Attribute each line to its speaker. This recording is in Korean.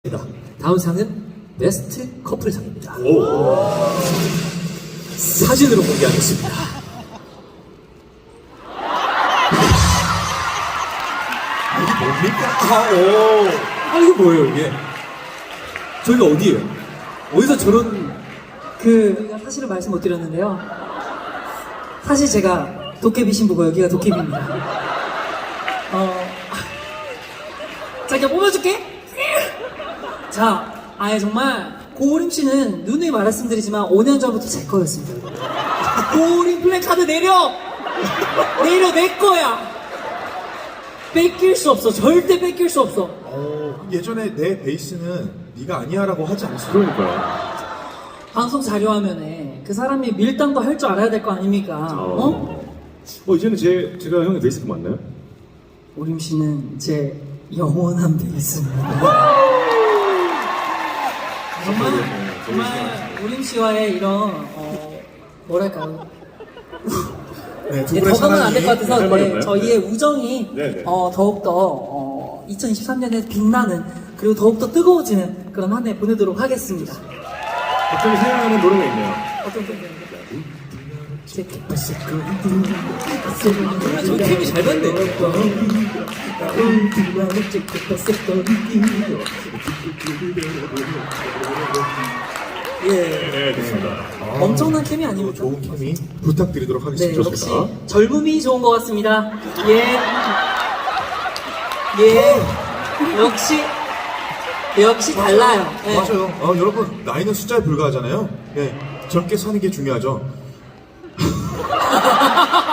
Speaker 1: 다음 상은 베스트 커플상입니다.
Speaker 2: 오.
Speaker 1: 사진으로 공개하겠습니다.
Speaker 2: 이게 뭡니까?
Speaker 1: 이게 뭐예요 이게? 저희가 어디예요? 어디서 저런
Speaker 3: 사실은 말씀 못 드렸는데요. 사실 제가 도깨비 신부고 여기가 도깨비입니다. 자기가 뽑아줄게. 자, 아예 정말 고우림 씨는 누누이 말씀드리지만 5년 전부터 제 거였습니다. 고우림 플랜카드 내려 내 거야. 뺏길 수 없어. 절대 뺏길 수 없어.
Speaker 2: 예전에 내 베이스는 네가 아니야라고 하지 않았어요.
Speaker 4: 그러니까요.
Speaker 3: 방송 자료화면에 그 사람이 밀당도 할 줄 알아야 될 거 아닙니까?
Speaker 4: 이제는 제가 형의 베이스가 맞나요?
Speaker 3: 오림 씨는 제 영원한 베이스입니다. 정말 오림 씨와의 이런 뭐랄까요?
Speaker 2: 네, 두
Speaker 3: 네,
Speaker 2: 분의
Speaker 3: 더 가면 안 될 것
Speaker 2: 사랑이
Speaker 3: 같아서
Speaker 4: 할 말이 없나요?
Speaker 3: 저희의 우정이
Speaker 4: 네.
Speaker 3: 더욱더 2023년에 빛나는 그리고 더욱더 뜨거워지는 그런 한 해 보내도록 하겠습니다.
Speaker 4: 갑자기 생각나는 노래가 있네요.
Speaker 3: 어떤 분들인가요?
Speaker 1: 저 케미 잘 봤네.
Speaker 4: 네, 좋습니다.
Speaker 3: 엄청난 케미 아닙니까?
Speaker 2: 좋은 케미 부탁드리도록
Speaker 3: 네,
Speaker 2: 하겠습니다.
Speaker 3: 역시 젊음이 좋은 것 같습니다. 예, 역시 달라요. 예.
Speaker 2: 맞아요. 여러분 나이는 숫자에 불과하잖아요. 예, 젊게 사는 게 중요하죠.